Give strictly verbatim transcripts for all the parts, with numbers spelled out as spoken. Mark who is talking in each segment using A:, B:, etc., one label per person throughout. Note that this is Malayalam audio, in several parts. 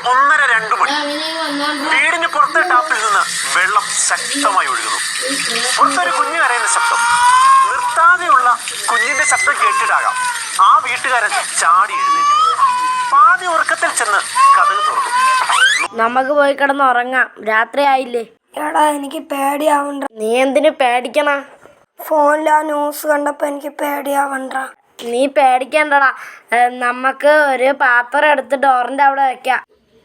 A: ഒന്നര രണ്ടു മണി. വീടിന് പുറത്തെ ടാപ്പിൽ നിന്ന് വെള്ളം ശക്തമായി ഒഴുകുന്നു. പുറത്തൊരു കുഞ്ഞു കരയുന്ന ശബ്ദം. നിർത്താതെയുള്ള കുഞ്ഞിന്റെ ശബ്ദം കേട്ടിട്ടാകാം ആ വീട്ടുകാരൻ ചാടി എഴുന്നേറ്റു. പാതി ഉറക്കത്തിൽ ചെന്ന് കതക് തുറന്നു.
B: നമുക്ക് പോയി കിടന്ന് ഉറങ്ങാം, രാത്രി ആയില്ലേ.
C: എടാ എനിക്ക് പേടിയാവണ്ട.
B: നീ എന്തിനു പേടിക്കണ?
C: ഫോണിൽ ആ ന്യൂസ് കണ്ടപ്പോ എനിക്ക് പേടിയാവണ്ട.
B: നീ പേടിക്കണ്ടടാ, നമുക്ക് ഒരു പാത്രം എടുത്ത് ഡോറിന്റെ അവിടെ വെക്കാം.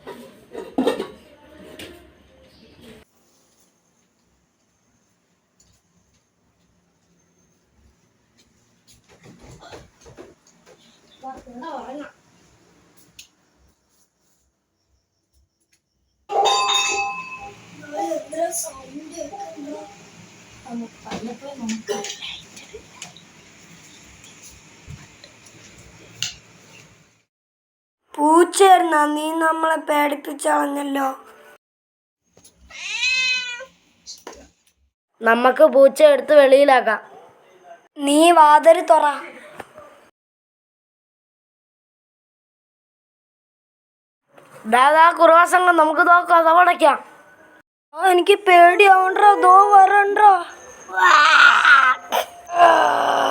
C: പൂച്ചയായിരുന്ന നീ നമ്മളെ പേടിപ്പിച്ചളഞ്ഞല്ലോ.
B: നമുക്ക് പൂച്ച എടുത്ത് വെളിയിലാക്കാം.
C: നീ വാതില് തുറ.
B: ദാദാ കുറവാസംഗം നമുക്ക് നോക്കാം, തവണയ്ക്കാം.
C: എനിക്ക് പേടിയാവണ്ടോ, ദോ വരണ്ടോ.